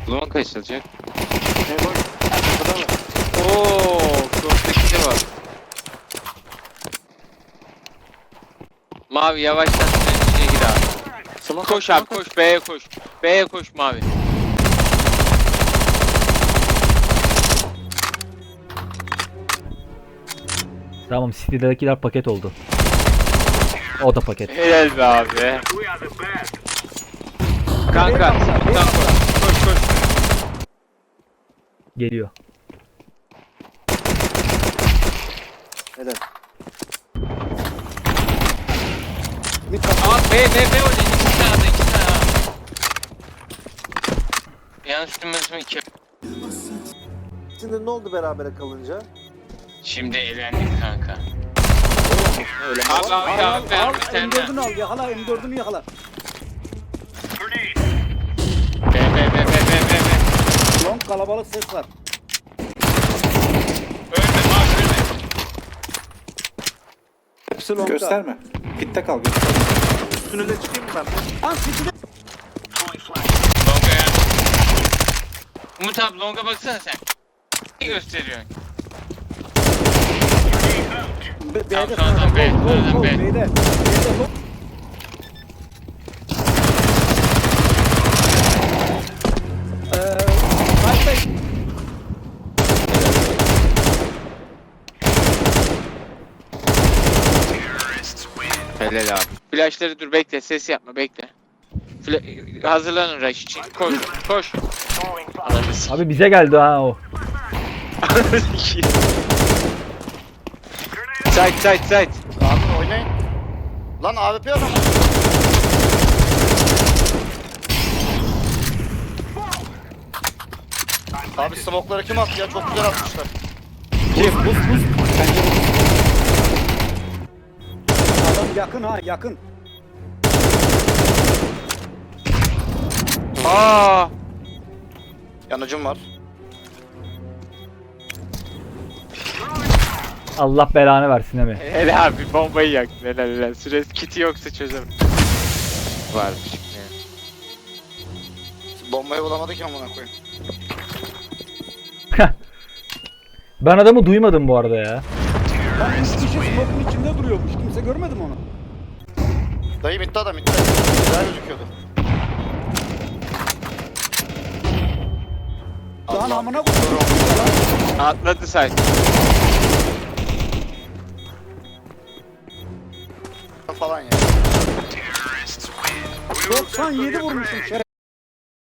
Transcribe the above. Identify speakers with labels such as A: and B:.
A: Zaman kaçılacak.
B: Ne boş? Burada mı?
A: Ooo, cross'taki de var. Mavi yavaştan içine gir abi.
B: Smoke
A: Koş
B: at,
A: abi
B: smoke
A: koş, B'ye koş. B'ye koş mavi.
C: Tamam, City'dekiler paket oldu. O da paket.
A: Helal be abi. Kanka, buradan koş. Koş koş.
C: Geliyor.
B: Helal.
A: Aa B oynuyor. İki tane de, iki tane abi. Yanlış duymadım iki.
B: Şimdi ne oldu berabere kalınca?
A: Şimdi eğlendik kanka.
B: Öyle mi?
A: Abi abi
D: Al
A: abi
D: al
A: bir tane.
D: M4'ünü al yakala M4'ünü yakala.
A: B.
D: Long kalabalık ses var.
A: Ölme abi ölme.
D: Hepsi longda.
E: Gösterme. Pitte kal. Gösterme.
B: Üstüne de çıkayım mı ben?
D: Lan City'de.
A: Longa ya. Umut abi longa baksana sen. Ne gösteriyorsun?
D: B'de
A: Tamam, tamam, B, tamam, B.
D: B'de. B'de long. Side.
A: Helal abi. Flashları dur bekle ses yapma bekle. Hazırlanın rush için. Koş koş. Ananı s***.
C: Abi bize geldi ha o.
A: Side.
F: Abi oynayın. Lan AWP adam. Abi smoke'ları kim attı ya? Çok güzel atmışlar.
D: Adam yakın ha yakın.
A: Aa.
F: Yanıcım var.
C: Allah belanı versin Emi.
A: Helal abi bombayı yaktın helal. Süresi kiti yoksa çözemem. Varmış.
F: Bombayı bulamadı ki amına koyayım.
C: Ben adamı duymadım bu arada ya.
D: Lan 3 kişi smoke'un içinde duruyormuş. Kimse görmedi mi onu?
F: Dayı bitti adam bitti. Güzel gözüküyordu.
D: Lan
F: Allah.
D: amına koyayım.
A: Atladı side.
F: Falan ya.
D: 97 vurmuşum şeref.